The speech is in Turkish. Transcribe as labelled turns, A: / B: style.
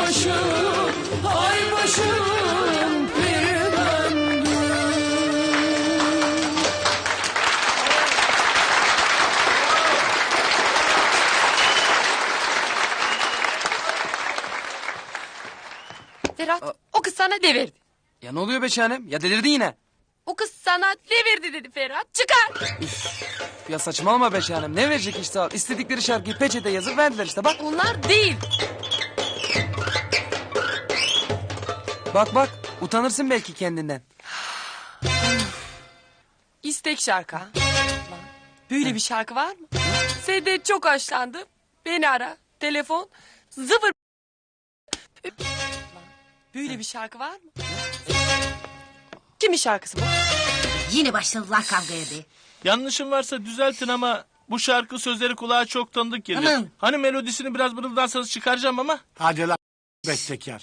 A: ay başım bir döndü.
B: Ferhat, o kız sana ne verdi?
C: Ya ne oluyor be şahanem? Ya delirdin yine.
B: O kız sana ne verdi dedi Ferhat. Çıkar.
C: Ya saçmalama be şahanem. Ne verecek işte al. İstedikleri şarkıyı peçete yazıp verdiler işte bak.
B: Onlar değil.
C: Bak utanırsın belki kendinden.
B: İstek şarkı. Ha? Böyle bir şarkı var mı? Senden çok hoşlandım. Beni ara. Telefon 0. Böyle bir şarkı var mı? Kimin şarkısı bu?
D: Yine başladılar kavgaya be.
E: Yanlışım varsa düzeltin ama bu şarkı sözleri kulağa çok tanıdık geliyor.
D: Aman.
E: Hani melodisini biraz mırıldansanız çıkaracağım ama.
F: Hadi lan bestekar.